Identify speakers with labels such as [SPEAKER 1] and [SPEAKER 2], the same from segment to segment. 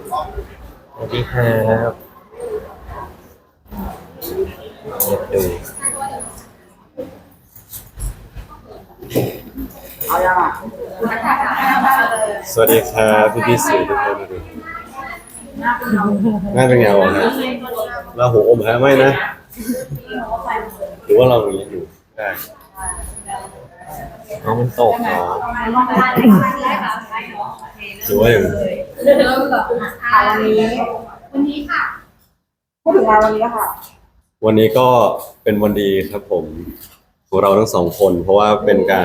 [SPEAKER 1] สวัสดีครับเงียบดู
[SPEAKER 2] สวัสดีครับพี่สื่อทุกคนดูหน้าเป็นไงวะฮะเราหูอมฮะไม่นะหรือว่าเราอย่างนี้อยู่ได้
[SPEAKER 1] น้องมันตกเนาะ
[SPEAKER 2] หรือว่าอย่าง
[SPEAKER 3] วันนี้ค่ะ
[SPEAKER 4] พูดถึงงานวันนี้ค่ะ
[SPEAKER 2] วันนี้ก็เป็นวันดีครับผมของเราทั้งสองคนเพราะว่าเป็นการ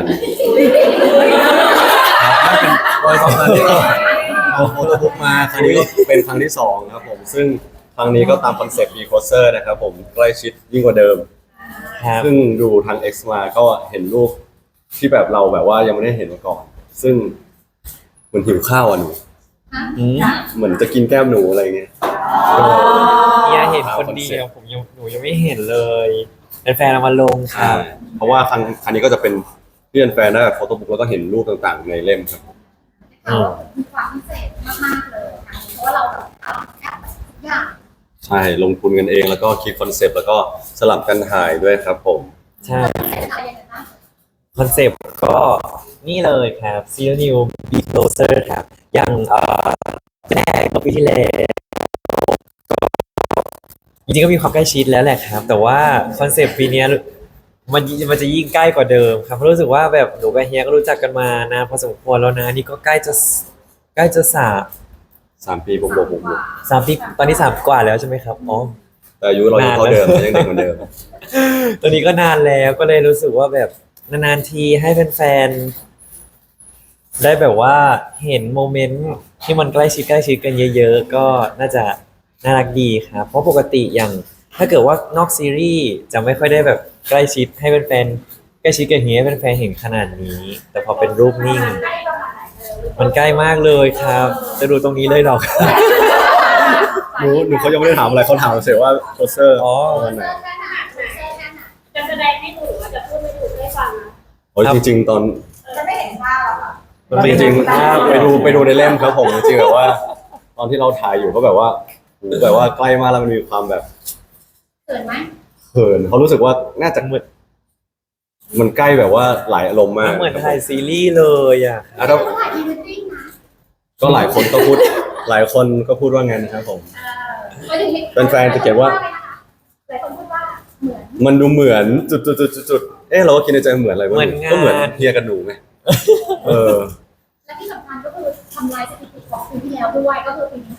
[SPEAKER 2] โดยสองครั้งที่เราเอาโฟโต้บุ๊กมาครั้งนี้ก็เป็นครั้งที่สองครับผมซึ่งครั้งนี้ก็ตามคอนเซ็ปต์ Be Closer นะครับผมใกล้ชิดยิ่งกว่าเดิม
[SPEAKER 1] ครับ
[SPEAKER 2] ซึ่งดูทาง X มาก็เห็นรูปที่แบบเราแบบว่ายังไม่ได้เห็นมาก่อน ซึ่งเหมือนหิวข้าวอ่ะหนู
[SPEAKER 1] อืม
[SPEAKER 2] เหมือนจะกินแก้มหนูอะไรเงี้ย
[SPEAKER 1] เนี่ยเห็นคนเดียวหนูยังไม่เห็นเลยเป็นแฟนเอามาลงค
[SPEAKER 2] ใช่
[SPEAKER 1] รับ
[SPEAKER 2] เพราะว่าครั้งนี้ก็จะเป็นเพื่อนแฟนได้แบบโฟโต้บุ๊กแล้วก็เห็นรูปต่างๆในเล่มครับ
[SPEAKER 3] มีความพิเศษมากๆเลยค่ะเพราะว่าเราทำแค่ทุกอย่าง
[SPEAKER 2] ใช่ลงทุนกันเองแล้วก็คิดคอนเซปต์แล้วก็สลับกันถ่ายด้วยครับผม
[SPEAKER 1] ใช่
[SPEAKER 3] เป็นอะไรยังไงบ้าง
[SPEAKER 1] คอนเซปต์ก็นี่เลยครับ Zero New Be Closer ครับอย่างแรกเมื่อปีที่แล้วจริงๆก็มีความใกล้ชิดแล้วแหละครับ แต่ว่าคอนเซปต์ปีเนี้ยมันจะยิ่งใกล้กว่าเดิมครับเพราะรู้สึกว่าแบบหนูกับเฮียก็รู้จักกันมานานพอสมควรแล้วนะนี่ก็ใกล้จะ
[SPEAKER 2] 3 ปีบวก
[SPEAKER 1] สามปีตอนนี้3 กว่าแล้วใช่ไหมครับอ๋อ
[SPEAKER 2] แต่อายุเรายังเท่าเดิมยังเด็กเหมือนเดิม
[SPEAKER 1] ตอนนี้ก็นานแล้วก็เลยรู้สึกว่าแบบนานๆทีให้แฟนๆได้แบบว่าเห็นโมเมนต์ที่มันใกล้ชิดกันเยอะๆก็น่าจะน่ารักดีครับเพราะปกติอย่างถ้าเกิดว่านอกซีรีส์จะไม่ค่อยได้แบบใกล้ชิดให้แฟนๆใกล้ชิดกันอย่างนี้ให้แฟนๆเห็นขนาดนี้ แต่พอเป็นรูปนิ่ง มันใกล้มากเลยครับ จะดูตรงนี้เลยหรอครับ
[SPEAKER 2] หนูเขายังไม่ได้ถามอะไรเขาถามเฉยว่าโคเซอร์
[SPEAKER 1] อ๋อ
[SPEAKER 2] วันไหน
[SPEAKER 5] จะแสดงให้ดูหรือว่าจะพูดให้ดูได้ฟังนะ
[SPEAKER 2] โอ้ยจริงๆตอน
[SPEAKER 4] จะไม่เห็นภาพหรอกค่ะ
[SPEAKER 1] มันเป็น
[SPEAKER 2] จริง
[SPEAKER 1] ภาพ
[SPEAKER 2] ๆไปดูในเล่มครับผมจริงๆแบบว่า ตอนที่เราถ่ายอยู่ก็แบบว่าโหแบบว่าใกล้มากแล้วมันมีความแบบ
[SPEAKER 3] เกิดไหม
[SPEAKER 2] เขินเขารู้สึกว่าน่าจะมันใกล้แบบว่าหลายอารมณ์มาก
[SPEAKER 1] เหมือนถ่ายซีรีส์เลยอ่ะ
[SPEAKER 2] อ่ะแล้ว
[SPEAKER 3] ต้องถ่ายพรีเวดดิ้งนะ
[SPEAKER 2] ก็หลายคนก็พูดว่าไงนะครับผม แฟนๆจะเขียนว่า
[SPEAKER 3] หลายคนพูดว่าเหมือน
[SPEAKER 2] มันดูเหมือนจุดเราก็คิดในใจเหมือนอะไรวะ
[SPEAKER 1] เหมือนงาน
[SPEAKER 2] ก็เหมือนเฮียกับหนูไงเออ
[SPEAKER 3] และที่สำคัญก็คือทำลายสถิติของปีที่แล้วด้วยก็คือปีนี้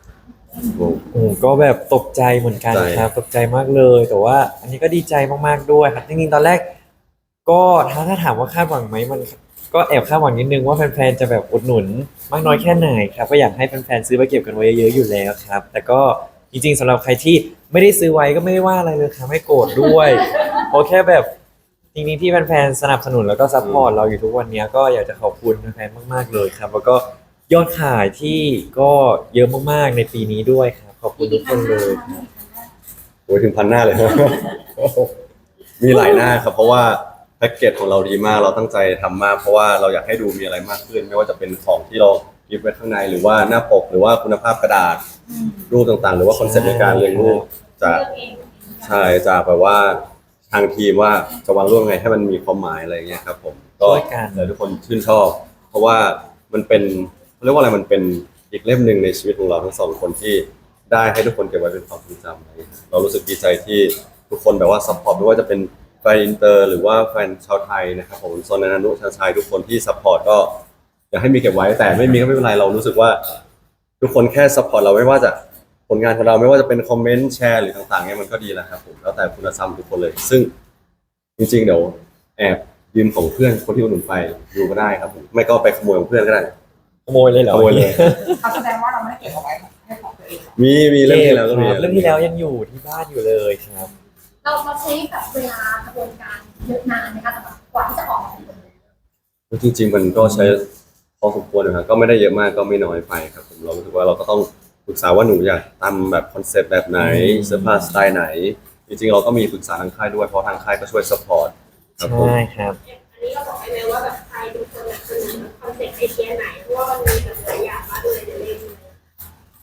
[SPEAKER 3] 50
[SPEAKER 2] โอ้
[SPEAKER 1] โอ้ก็แบบตกใจเหมือนกัน
[SPEAKER 2] ใช่
[SPEAKER 1] ครับตกใจมากเลย แต่ว่าอันนี้ก็ดีใจมากๆด้วยครับจริงๆตอนแรก ก็ถ้าถามว่าคาดหวังไหมมันก็แอบคาดหวังนิดนึงว่าแฟนๆจะแบบอุดหนุนมากน้อยแค่ไหนครับก็อยากให้แฟนๆซื้อไปเก็บกันไว้เยอะๆอยู่แล้วครับ แต่ก็จริงๆสำหรับใครที่ไม่ได้ซื้อไว้ก็ไม่ได้ว่าอะไรเลยครับไม่โกรธด้วยเพราะแค่แบบจริงๆที่แฟนๆสนับสนุนแล้วก็ซัพพอร์ตเราอยู่ทุกวันนี้ก็อยากจะขอบคุณแฟนๆมากๆเลยครับ แล้วก็ยอดขายที่ก็เยอะมากๆในปีนี้ด้วยครับขอบคุณทุกคนเลยครับ
[SPEAKER 2] โหถึง1,000 หน้าเลย มีหลายหน้าครับเพราะว่าแพ็กเกจของเราดีมากเราตั้งใจทำมากเพราะว่าเราอยากให้ดูมีอะไรมากขึ้น ไม่ว่าจะเป็นของที่เราเก็บไว้ข้างในหรือว่าหน้าปกหรือว่าคุณภาพกระดาษรูปต่างๆ หรือว่าคอนเซ็ปต์ในการเรียงรูปจาก
[SPEAKER 5] เลือกเอง
[SPEAKER 2] ใช่จากแบบว่าทางทีมว่าจะวางรูปยังไงให้มันมีความหมายอะไรเงี้ยครับผมก็
[SPEAKER 1] ช่วยกัน
[SPEAKER 2] เลยทุกคนชื่นชอบ เพราะว่ามันเป็นเขาเรียกว่าอะไรมันเป็นอีกเล่มหนึ่งในชีวิตของเราทั้งสองคนที่ได้ให้ทุกคนเก็บไว้เป็นความทรงจำอะไรเงี้ยเรารู้สึกดีใจที่ทุกคนแบบว่าซัพพอร์ตไม่ว่าจะเป็นแฟนอินเตอร์หรือว่าแฟนชาวไทยนะครับผมโซนนานุชาวไทยทุกคนที่ซัพพอร์ตก็อยากให้มีเก็บไว้แต่ไม่มีก็ไม่เป็นไรเรารู้สึกว่า ทุกคนแค่ซัพพอร์ตเราไม่ว่าจะผลงานของเราไม่ว่าจะเป็นคอมเมนต์แชร์หรือต่างๆเนี่ยมันก็ดีแล้วครับผมแล้วแต่คุณธรรมทุกคนเลย ซึ่งจริงๆเดี๋ยวแอบยืมของเพื่อนคนที่อุดหนุนไปดูก็ได้ครับผมไม่ก็ไปขโมยของเพื่อนก็ได้
[SPEAKER 1] ขโมยเลยเหรอ
[SPEAKER 2] ขโมยเลย
[SPEAKER 4] เขาแสดงว่าเราไม่ได้เก็บเอาไว้ให้ของตัวเอง
[SPEAKER 2] มีเรื่องที่แล้วก็มี
[SPEAKER 1] ครับเรื่องที่แล้วยังอยู่ที่บ้านอยู่เลยครับ
[SPEAKER 3] เราใช้แบบเวลากระบวนการเยอะนานนะคะสำหรับกว่าที่จะออกมาเป็น
[SPEAKER 2] จริงๆมันก็ใช้พอสมควรนะครับก็ไม่ได้เยอะมากก็ไม่น้อยไปครับผมเรารู้สึกว่าเราก็ต้องปรึกษาว่าหนูอยากทำแบบคอนเซ็ปต์แบบไหนเสื้อผ้าสไตล์ไหน จริงๆเราก็มีปรึกษาทางค่ายด้วยเพราะทางค่ายก็ช่วยซัพพอร์ตครับผม
[SPEAKER 1] ใช่ครับ
[SPEAKER 5] อันนี้เราบอกได้ไหมว่าแบบใครเป็นคนแบบเสนอคอนเซ็ปต์ไอเดียไหนเพราะว่ามันมีแบบหลายอย่างมากเลยในเล่ม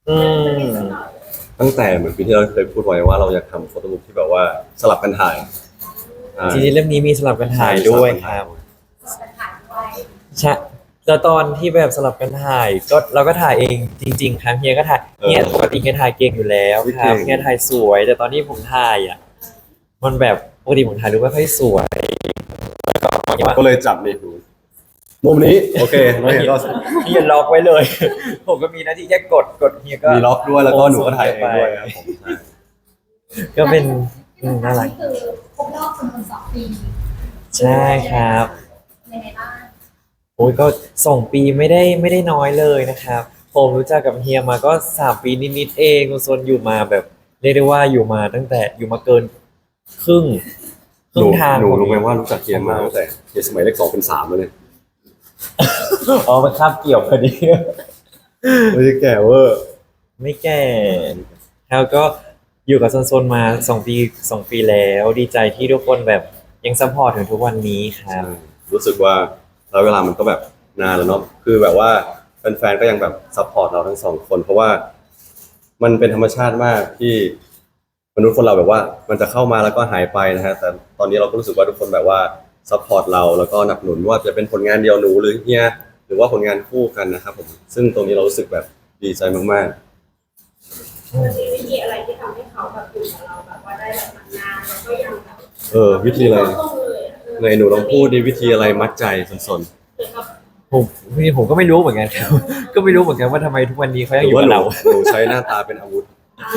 [SPEAKER 1] อืม
[SPEAKER 2] ตั้งแต่เหมือนปีที่เราเคยพูดไว้ว่าเราอยากทำโฟโต้บุ๊กที่แบบว่าสลับกันถ่าย
[SPEAKER 1] จริงๆเล่มนี้มีสลับกันถ่ายด้วยครับ
[SPEAKER 3] เป็นถ่ายด้วย
[SPEAKER 1] ใช่แล้วตอนที่แบบสลับกันถ่ายก็เราก็ถ่ายเองจริงๆครับเฮียก็ถ่ายเฮียปกติเฮียถ่ายเก่งอยู่แล้วครับเฮียถ่ายสวย แต่ตอนที่ผมถ่ายอ่ะมันแบบปกติผมถ่ายรูปไม่ค่อยสวยแล้วก็เฮียว่า
[SPEAKER 2] ก็เลยจับนี่ดูมุมนี้โอเคแล้วเฮียก็
[SPEAKER 1] เฮียล็อกไว้เลย ผมก็มีหน้าที่แค่กดเฮียก็
[SPEAKER 2] มีล็อกด้วยแล้วก็หนูก็ถ่ายเองด้วยครับผมใช่
[SPEAKER 1] ก็เป็นน่ารัก
[SPEAKER 3] คือครบรอบจำนวน2 ปี
[SPEAKER 1] ใช่ครับ
[SPEAKER 3] ยังไงบ้าง
[SPEAKER 1] โอ้ยก็2 ปีไม่ได้น้อยเลยนะครับผมรู้จักกับเฮียมาก็3 ปีนิดๆเองโซนอยู่มาแบบเรียกได้ว่าอยู่มาตั้งแต่อยู่มาเกินครึ่ง
[SPEAKER 2] หนู
[SPEAKER 1] ทาง
[SPEAKER 2] หนู
[SPEAKER 1] ของ
[SPEAKER 2] รู้ไหมว่ารู้จักเฮียมาตั้งแต่เฮียสมัยเลข2เป็น3แล้วเนี่ย
[SPEAKER 1] อ๋อมันคาบเกี่ยวพอดี
[SPEAKER 2] ไม่ใช่แก่เวอร์
[SPEAKER 1] ไม่แก่แล้วก็อยู่กับโซนมา2 ปีแล้วดีใจที่ทุกคนแบบยังซัพพอร์ตถึงทุกวันนี้ครับ
[SPEAKER 2] รู้สึกว่าแล้วเวลามันก็แบบนานแล้วเนาะคือแบบว่าแฟนๆก็ยังแบบซัพพอร์ตเราทั้งสองคนเพราะว่ามันเป็นธรรมชาติมากที่มนุษย์คนเราแบบว่ามันจะเข้ามาแล้วก็หายไปนะฮะแต่ตอนนี้เราก็รู้สึกว่าทุกคนแบบว่าซัพพอร์ตเราแล้วก็หนับหนุนว่าจะเป็นผลงานเดียวหนูหรือเฮียหรือว่าผลงานคู่กันนะครับผมซึ่งตรงนี้เรารู้สึกแบบดีใจมาก
[SPEAKER 5] มันมีวิธีอะไรที่ทำให้เขาแบบอยู่กับเราแบบว่าได้แบบนานแล้วก็ยังแบบ
[SPEAKER 2] ๆวิธีอะไร
[SPEAKER 5] ลงเลยอะ
[SPEAKER 2] ในหนูลองพูดดิวิธีอะไรมัดใจสน
[SPEAKER 5] หรือกับ
[SPEAKER 1] ผมก็ไม่รู้เหมือนกันครับ ก็ไม่รู้เหมือนกันว่าทำไมทุกวันนี้เขา
[SPEAKER 2] ๆห
[SPEAKER 1] ยัง
[SPEAKER 2] รือ
[SPEAKER 1] อยู่
[SPEAKER 2] ว่า
[SPEAKER 1] กับ
[SPEAKER 2] หนู
[SPEAKER 1] เรา
[SPEAKER 2] หนูใช้หน้าตาเป็นอาวุธ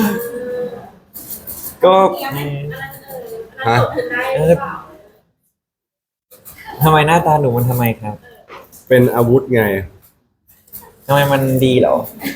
[SPEAKER 1] ก็
[SPEAKER 5] อันนั้นอันนั้นจบถึงได้หรือเปล่า
[SPEAKER 1] ทำไมหน้าตาหนูมันทำไมครับ
[SPEAKER 2] เป็นอาวุธไง
[SPEAKER 1] ทำไมมันดีเหรอ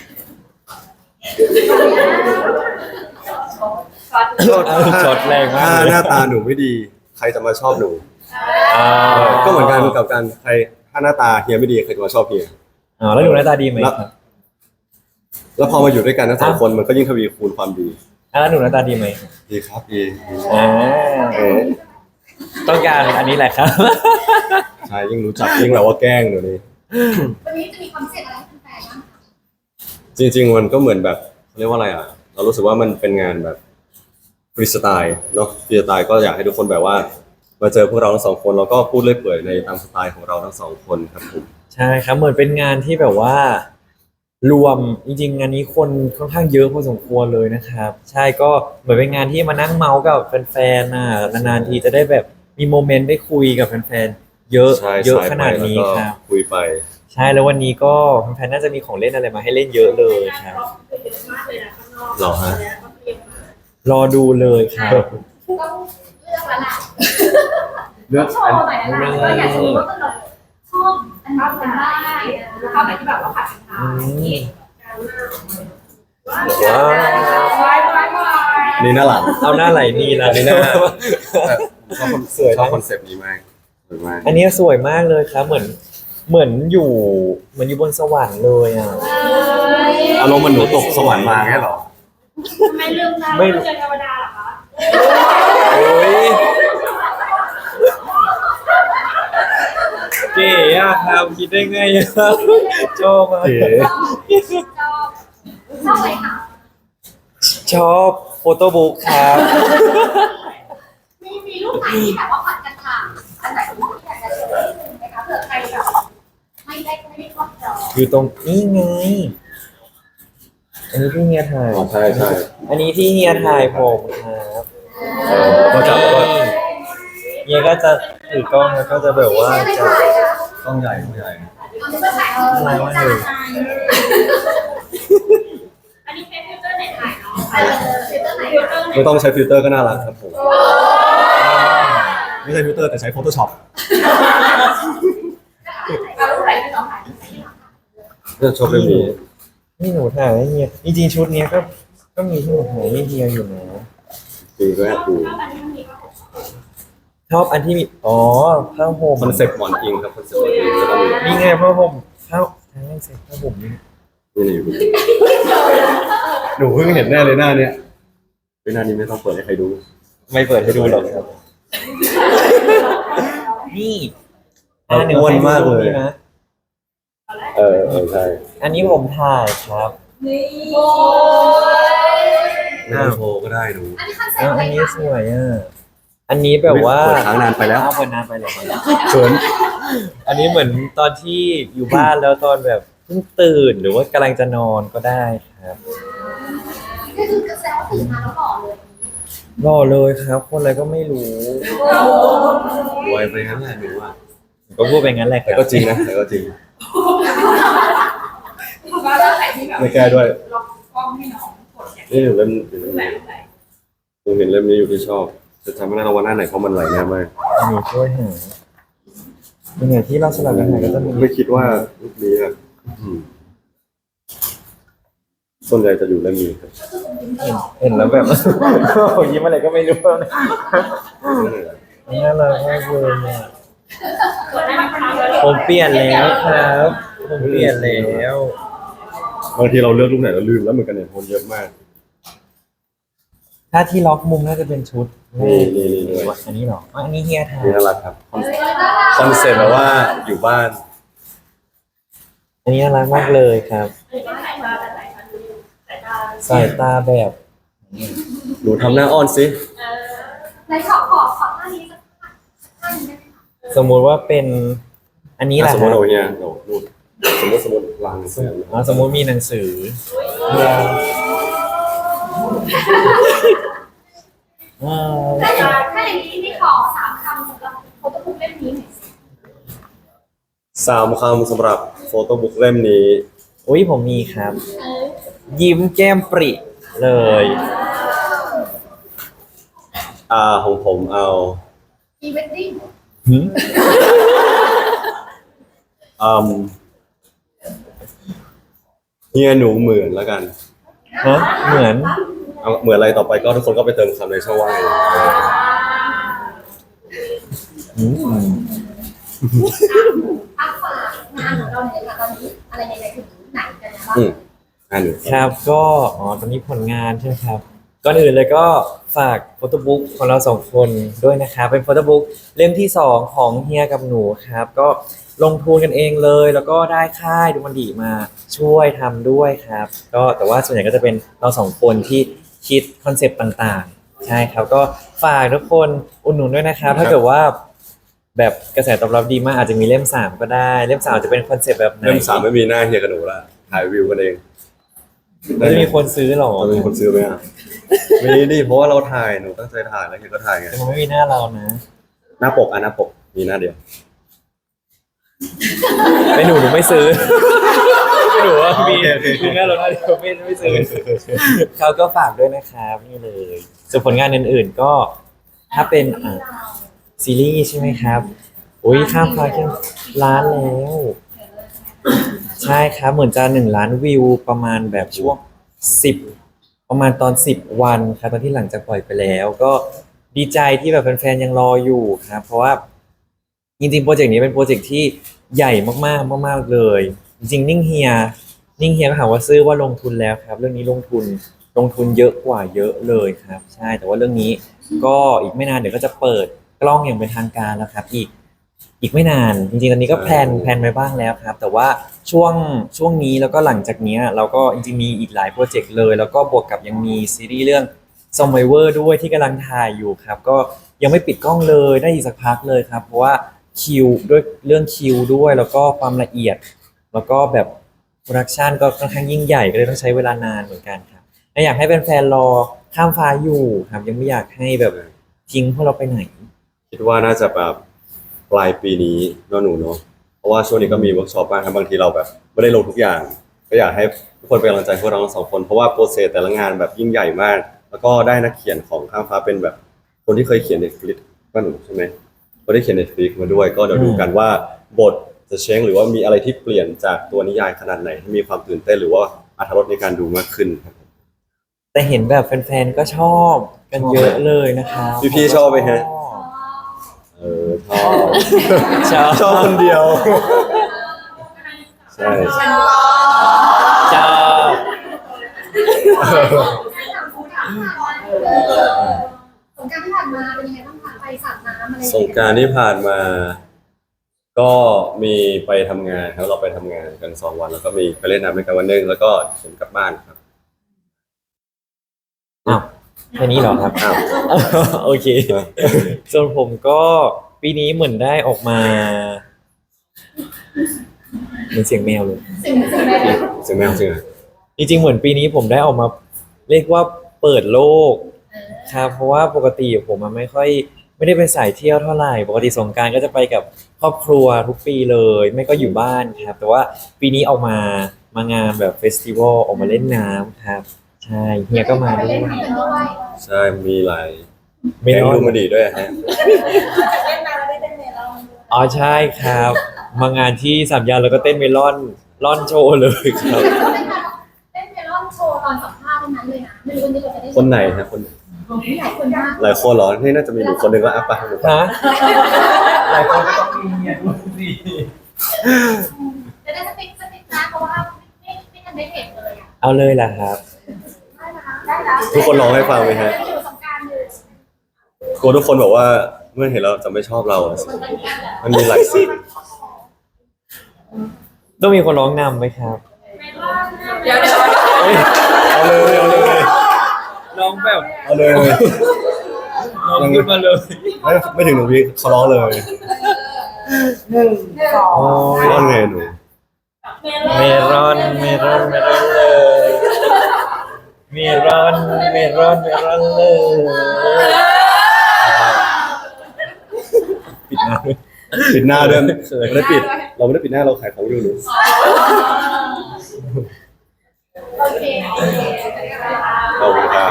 [SPEAKER 1] ช็อตแรงมาก
[SPEAKER 2] ถ้า
[SPEAKER 1] เลย
[SPEAKER 2] หน้าตาหนูไม่ดี ใครจะมาชอบหนู
[SPEAKER 1] อ่า
[SPEAKER 2] ก็เหมือนกันกับการใครถ้าหน้าตาเฮียไม่ดีใครจะมาชอบเฮีย
[SPEAKER 1] อ๋อแล้วหนูหน้าตาดีไหมครับ
[SPEAKER 2] แล้วพอมาอยู่ด้วยกันทั้งสองคนมันก็ยิ่งทวีคูณความดี
[SPEAKER 1] แล้วหนูหน้าตาดีไหม
[SPEAKER 2] ดีครับดี
[SPEAKER 1] อ่า
[SPEAKER 2] เออ
[SPEAKER 1] ต้องการอันนี้แหละครับ
[SPEAKER 2] ใช่ยิ่งรู้จักยิ่งแบบว่าแกล้งเดี๋ยวนี้
[SPEAKER 3] วันนี้จะมีความพิเศษอะไรให้แฟนๆบ้างคะ
[SPEAKER 2] จริง ๆ มันก็เหมือนแบบเขาเรียกว่าอะไรอ่ะ เรารู้สึกว่ามันเป็นงานแบบฟรีสไตล์เนาะฟรีสไตล์ก็อยากให้ทุกคนแบบว่ามาเจอพวกเราทั้งสองคนแล้วก็พูดเรื่อยเปื่อยในตามสไตล์ของเราทั้งสองคนครับผม
[SPEAKER 1] ใช่ครับเหมือนเป็นงานที่แบบว่ารวมจริงๆงานนี้คนค่อนข้างเยอะพอสมควรเลยนะครับ ใช่ก็เหมือนเป็นงานที่มานั่งเมาส์กับแฟนๆน่ะนานๆทีจะได้แบบมีโมเมนต์ได้คุยกับแฟนๆเยอะ
[SPEAKER 2] ใช่
[SPEAKER 1] เยอะ
[SPEAKER 2] ใช่
[SPEAKER 1] ขนาดนี้
[SPEAKER 2] ไปแล้วก็
[SPEAKER 1] ครับ
[SPEAKER 2] คุยไป
[SPEAKER 1] ใช่แล้ววันนี้ก็แฟนๆน่าจะมีของเล่นอะไรมาให้เล่นเยอะเลยครับ
[SPEAKER 5] คือเยอะมากเลยนะข้างนอก
[SPEAKER 2] หรอฮะ
[SPEAKER 5] แล้วก็เตรียมมาร
[SPEAKER 1] อดูเลยครับ
[SPEAKER 3] ต้องเลือกแล้วล่ะ
[SPEAKER 2] เลือก
[SPEAKER 3] โชว์หน่อยนะว่าอยากจะรู้ว่าเราชอบอันไหนกันบ้างแล้วก็ไหนที่แบบเราผัดกันทำนี่
[SPEAKER 1] ว้าว
[SPEAKER 2] นี่น่าหลัง
[SPEAKER 1] เอาหน้าไหลนี่ละ
[SPEAKER 2] อันนี้น่าแต่ผมชอบชอบคอนเซปต์นี้มากสวยมาก
[SPEAKER 1] อันนี้สวยมากเลยครับเหมือนอยู่บนสวรรค์เลยอ่ะ
[SPEAKER 2] อารมณ์มันหนูตกสวรรค์มาแค่หรอ
[SPEAKER 5] ทำไมลืมได้ว่าเจอเทวดาเหรอคะ
[SPEAKER 1] โอ้ยเก๋อะครับคิดได้ไงอะชอบมาก
[SPEAKER 2] เก๋
[SPEAKER 3] ชอบอะไรคะ
[SPEAKER 1] ชอบโฟโต้บุ๊กครับ
[SPEAKER 3] มีรูปไหนที่แบบว่าผัดกันทำอันไหนที่อยากจะโชว์นิดนึงไหมคะเผื่อใครแบบไม่ได้ครอบจอ
[SPEAKER 1] อยู่ตรงนี้ไง อันนี้ที่เฮียถ่าย
[SPEAKER 2] อ๋อใช่ใช่
[SPEAKER 1] อันนี้ที่เฮียถ่ายผมครับ
[SPEAKER 2] ก็จับแล้วก็
[SPEAKER 1] เฮียก็จะถือกล้องแล้วก็จะแบบว่าจะ
[SPEAKER 2] ต้องใหญ่ต้องใหญ่
[SPEAKER 3] เอาไปถ่ายจาน
[SPEAKER 5] อันนี้เป็นฟิลเตอร์ไหนถ่ายเนาะ
[SPEAKER 3] ฟิลเตอร์ไหน
[SPEAKER 5] ฟิลเตอร์ไหน
[SPEAKER 2] ไม่ต้องใช้ฟิลเตอร์ก็น่ารักครับผมไม่ใช่ฟิลเตอร์แต่ใช้ Photoshop
[SPEAKER 3] เอารูปไหนที่เราถ่าย
[SPEAKER 2] เรื่องชอบเรื่องนี้
[SPEAKER 1] นี่หนูถ่ายให้เฮียจริงๆชุดเนี้ยก็มีที่หนูถ่ายให้เฮียอยู่นะ
[SPEAKER 2] จริงก็แอบดู
[SPEAKER 5] ชอบอันนี้มีก็ผม
[SPEAKER 1] ชอบอันที่มีผ้าห่ม
[SPEAKER 2] คอนเซ็ปต์หมอนอิงครับคอนเซ็ปต์หมอนอิงแล้วก็มี
[SPEAKER 1] นี่ไงผ้าห่มผ้าใช่เซ็ตผ้าห่มนี่
[SPEAKER 2] นี่หนูเพิ่งเห็นแน่เลยหน้าเนี้ยหน้านี้ไม่ต้องเปิดให้ใครดู
[SPEAKER 1] ไม่เปิดให้ดูหรอกครับ นี่
[SPEAKER 2] เราอ้วนมากเลย
[SPEAKER 1] นี่นะ
[SPEAKER 2] ใช่
[SPEAKER 1] อันนี้ผมถ่ายครับ
[SPEAKER 5] นี่
[SPEAKER 3] โอ้ย
[SPEAKER 2] ไม่ต้องโชว์ก็ได้หนู
[SPEAKER 3] อันนี้คอนเซ็ป
[SPEAKER 1] แล้ว
[SPEAKER 3] ต์อะไร
[SPEAKER 1] อันนี้
[SPEAKER 3] คะ
[SPEAKER 1] สวยอ่ะอันนี้แบบว่า
[SPEAKER 2] เปิดค้างนานไปแล้ว
[SPEAKER 1] เอาเปิดนานไปเหรอ
[SPEAKER 2] เขิน
[SPEAKER 1] อันนี้เหมือนตอนที่อยู่บ้านแล้วตอนแบบเพิ่งตื่นหรือว่ากำลังจะนอนก็ได้ครับ
[SPEAKER 3] ก็คือกระแสว่าตื่นมาแล้วหล่อเลย
[SPEAKER 1] รอเลยครับ คนอะไรก็ไม่รู้
[SPEAKER 2] ไวไปงั้นแหละหนูอ่ะ
[SPEAKER 1] ก็พูดไปงั้นแหละค
[SPEAKER 2] แต่
[SPEAKER 1] รับ
[SPEAKER 2] ก็จริงนะแต่ก็จริง
[SPEAKER 4] ว่าแล้วใครที่แบบ
[SPEAKER 2] ไม่แก้ด้วย
[SPEAKER 4] ล็อกกล้องให้น้องกดอย่าง
[SPEAKER 2] นี่หนูเล่มหนู
[SPEAKER 5] รูปแบบไหน
[SPEAKER 2] เห็นเล่มนี้อยู่ที่ชอบ จะจำไม่ได้แล้วว่าหน้าไหนเพราะมันไหลแน่มาก
[SPEAKER 1] หนูช่วยหาเป็นไงที่เราสลับกันหาก็จะมี
[SPEAKER 2] ไม่คิดว่ารูปนี้ครับส่วนใหญ่จะอยู่เล่มนี้ครับ
[SPEAKER 1] เห็นแล้วแบบ ยิ้มอะไรก็ไม่รู้นะน่ารักมากเลยอะ
[SPEAKER 5] เปิดได้ไหมคะ
[SPEAKER 1] ผมเปลี่ยนแล้วครับ ผมเปลี่ยนแล้ว
[SPEAKER 2] บางทีเราเลือกรูปไหนเราลืมแล้วเหมือนกันเนี่ยคนเยอะมาก
[SPEAKER 1] ถ้าที่ล็อกมุมน่าจะเป็นชุด
[SPEAKER 2] นี่ด้วย
[SPEAKER 1] อันนี้เหรออันนี้เฮียทา
[SPEAKER 2] นี่น่ารักครับคอนเซ็ปต์แบบว่าอยู่บ้าน
[SPEAKER 1] อันนี้น่ารักมากเลยครับ
[SPEAKER 5] อันนี้เป็นสายตาแบบไหนคะดูสายตา
[SPEAKER 1] สายตาแบบ
[SPEAKER 2] หนูทำหน้าอ้อนสิ
[SPEAKER 3] ในขอท่านี้สักท่านี้ได้ไหมคะ
[SPEAKER 1] สมมุติว่าเป็น อันนี้แหละ
[SPEAKER 2] สม
[SPEAKER 1] ค
[SPEAKER 2] ม
[SPEAKER 1] รั
[SPEAKER 2] ติ
[SPEAKER 1] บ
[SPEAKER 2] เอาเนี่ยหนูนู่นสมมติลางเสื้อ
[SPEAKER 1] สมมุติมีหนังสืออ่า
[SPEAKER 3] ถ้าอย่างนี้นี่ขอ3 คำสำหรับโฟโต้บุ๊กเล่มนี้หน่อยสิ
[SPEAKER 2] 3 คำสำหรับโฟโต้บุ๊กเล่มนี้
[SPEAKER 1] อุ้ยผมมีครับ ยิ้มแก้มปริเลย
[SPEAKER 2] ของผมเอา
[SPEAKER 3] พรีเวดดิ้ง
[SPEAKER 1] หืม
[SPEAKER 2] เฮียหนูเหมือนแล้วกัน
[SPEAKER 1] ฮะเหมือน
[SPEAKER 2] เอาเหมือนอะไรต่อไปก็ทุกคนก็ไปเติมคำในช่องว่างเอง
[SPEAKER 1] อืม
[SPEAKER 3] อัพฝากงานของเราหน่อยค่ะตอนนี้อะไรยังไงถึงไหนกันนะบ้าง
[SPEAKER 2] หนู
[SPEAKER 1] ครับก็ตอนนี้ผลงานใช่ไหมครับก่อนอื่นเลยก็ฝากโฟโต้บุ๊กของเรา2 คนด้วยนะครับเป็นโฟโต้บุ๊กเล่มที่ 2ของเฮียกับหนูครับก็ลงทุนกันเองเลย แล้วก็ได้ค่ายดูมันดีมาช่วยทำด้วยครับก็แต่ว่าส่วนใหญ่ก็จะเป็นเรา2 คนที่คิดคอนเซปต์ต่างๆใช่ครับก็ฝากทุกคนอุดหนุนด้วยนะครับถ้าเกิดว่าแบบกระแสตอบรับดีมากอาจจะมีเล่ม 3ก็ได้เล่ม 3จะเป็นคอนเซปต์แบบไหน
[SPEAKER 2] เล่ม 3ไม่มีหน้าเฮียกับหนูละถ่ายวิวกันเอง
[SPEAKER 1] ไม่จะมีคนซื้อหรอ
[SPEAKER 2] จะมีคนซื้อไหมอ่ะมีดิเพราะว่าเราถ่ายหนูตั้งใจถ่ายแล้วเฮียก็ถ่ายไง
[SPEAKER 1] แต่มันไม่มีหน้าเรานะ
[SPEAKER 2] หน้าปกหน้าปกมีหน้าเดียว
[SPEAKER 1] ไม่หนูไม่ซื้อ ไม่หนูว่ามี
[SPEAKER 2] โอเค
[SPEAKER 1] มีหน้าเราหน้าเดียวไม่ซื้อเขาก็ฝากด้วยนะครับนี่เลยส่วนผลงานอื่นๆก็ถ้าเป็นซีรีส์ใช่ไหมครับอุ้ยข้ามฟ้าแค่ล้านแล้ว ใช่ครับเหมือนจะ1 ล้านวิวประมาณแบบช่วง10ประมาณตอน10 วันครับตอนที่หลังจากปล่อยไปแล้ว ก็ดีใจที่แบบแฟนๆยังรออยู่ครับ เพราะว่าจริงๆโปรเจกต์นี้เป็นโปรเจกต์ที่ใหญ่มากๆมากๆเลย จริงๆนิ่งเฮียก็ถามว่าซื้อว่าลงทุนแล้วครับ เรื่องนี้ลงทุนเยอะกว่าเยอะเลยครับ ใช่แต่ว่าเรื่องนี้ก็อีกไม่นานเดี๋ยวก็จะเปิดกล้องอย่างเป็นทางการแล้วครับอีกไม่นานจริงๆตอนนี้ก็แพลนไว้บ้างแล้วครับ แต่ว่าช่วงนี้แล้วก็หลังจากเนี้ยเราก็จริงๆมีอีกหลายโปรเจกต์เลย แล้วก็บวกกับยังมีซีรีส์เรื่อง Survivor ด้วยที่กำลังถ่ายอยู่ครับ ก็ยังไม่ปิดกล้องเลยได้อีกสักพักเลยครับ เพราะว่าคิวด้วยเรื่องคิวด้วยแล้วก็ความละเอียด แล้วก็แบบโปรดักชันก็ค่อนข้างยิ่งใหญ่ก็เลยต้องใช้เวลานานเหมือนกันครับและอยากให้แฟนๆรอข้ามฟ้าอยู่ครับยังไม่อยากให้แบบทิ้งพวกเราไปไหน
[SPEAKER 2] คิดว่าน่าจะแบบปลายปีนี้เนาะหนูเนาะเพราะว่าช่วงนี้ก็มีเวิร์กช็อปบ้างครับบางทีเราแบบไม่ได้ลงทุกอย่าง ก็อยากให้ทุกคนเป็นกำลังใจพวกเราทั้ง 2 คนเพราะว่าโปรเซสแต่ละงานแบบยิ่งใหญ่มาก แล้วก็ได้นักเขียนของข้ามฟ้าเป็นแบบคนที่เคยเขียนในฟลิปว่าหนูใช่ไหมก็ได้เขียนในฟลิปมาด้วย ก็เดี๋ยวดูกันว่าบทจะเช้งหรือว่ามีอะไรที่เปลี่ยนจากตัวนิยายขนาดไหนให้มีความตื่นเต้นหรือว่าอรรถรสในการดูมากขึ้นครับ
[SPEAKER 1] แต่เห็นแบบแฟนๆก็ชอบกันเยอะเลยนะครับ
[SPEAKER 2] พี่ๆชอบไหมฮะ ชอบ ชอบคนเดียว ใช่
[SPEAKER 1] ชอบ
[SPEAKER 3] สงกรานต์ที่ผ่านมาเป็นยังไงบ้างคะไปสาดน้ำอะไร
[SPEAKER 2] สงกรานต์ที่ผ่านมาก็มีไปทำงานครับเราไปทำงานกัน2 วันแล้วก็มีไปเล่นน้ำด้วยกันวันหนึงแล้วก็ผมกลับบ้านครับ
[SPEAKER 1] อ้าวแค่นี้เหรอครับ
[SPEAKER 2] อ้าว
[SPEAKER 1] โอเค ส่วนผมก็ปีนี้เหมือนได้ออกมาเหมือนเสียงแมวเลย
[SPEAKER 3] สิ่งแรก
[SPEAKER 2] เสียงแมวจริงเหรอ
[SPEAKER 1] จริงๆเหมือนปีนี้ผมได้ออกมาเรียกว่าเปิดโลกครับเพราะว่าปกติผมมันไม่ได้เป็นสายเที่ยวเท่าไหร่ปกติสงกรานต์ก็จะไปกับครอบครัวทุกปีเลย ไม่ก็อยู่บ้านครับ แต่ว่าปีนี้ออกมางานแบบเฟสติวัลออกมาเล่นน้ำครับ ใช่เฮียก็มา
[SPEAKER 3] ไป
[SPEAKER 1] ด้ว
[SPEAKER 3] เล่
[SPEAKER 1] ย
[SPEAKER 3] นน้ำกันด้วย
[SPEAKER 2] ใช่มีหลาย
[SPEAKER 1] ไม่
[SPEAKER 2] แก๊ง
[SPEAKER 1] น้อย
[SPEAKER 2] ดูมาดีด้วยฮะ
[SPEAKER 5] เล่นน้ำแล้วได้เต้นเมลอน
[SPEAKER 1] อ๋อใช่ครับ มางานที่สามย่านแล้วก็เต้นเมลอนล่อนโชว์เลยครับ
[SPEAKER 3] เล่นเมลอนโชว์ตอนสัมภาษณ์เท่านั้นเลยนะไม่รู้วันนี้เราจะได้
[SPEAKER 2] คนไหนฮะคน
[SPEAKER 3] หลายคนมาก
[SPEAKER 2] หลายคนเหรอนี่น่าจะมีหนูคนหนึ่งก็อ่ะไปหนูไป
[SPEAKER 1] ฮะหลายคนก็ต้องมีเนี่ยดูสิ
[SPEAKER 3] จะได้สติ๊กนะเพราะว่าไม่ทันได้เห็นเลยอ่ะ
[SPEAKER 1] เอาเลยล่ะครับ
[SPEAKER 3] ได้นะได้นะ
[SPEAKER 2] ทุกคนร้องให้ฟังไหมฮะ
[SPEAKER 3] อยู่สงกรานต์อยู่
[SPEAKER 2] กลัวทุกคนบอกว่าเมื่อเห็นเราจะไม่ชอบเราอะสิมันมีหลายสิ่ง
[SPEAKER 1] ต้องมีคนร้องนำไหมครับ
[SPEAKER 4] เดี๋ยว
[SPEAKER 2] เอาเลยเอาเลย
[SPEAKER 1] ร้องแบบ
[SPEAKER 2] เอาเลย
[SPEAKER 1] ร้องขึ้นมาเลย
[SPEAKER 2] ไม่ถึงหนึ่งวิเขาร้องเลย
[SPEAKER 1] โอ้ย
[SPEAKER 2] ร้องไงหนู
[SPEAKER 1] เมรอนเลยเมรอนเลยปิดหน้าด้วย
[SPEAKER 2] ปิดหน้าเดิม
[SPEAKER 1] เขิน
[SPEAKER 2] ไม่ได้ปิด เราไม่ได้ปิดหน้าเราขายของอยู่หนู
[SPEAKER 3] โอเค
[SPEAKER 2] ขอบคุณครับ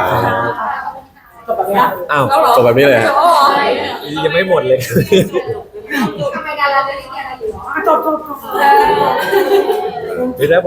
[SPEAKER 1] อ้าว
[SPEAKER 2] จบแบบนี้เลยฮะ
[SPEAKER 1] ยังไม่หมดเลย
[SPEAKER 3] ทำไมดาราจะเรียนอะไรอยู่หรอ
[SPEAKER 1] ไม่ได้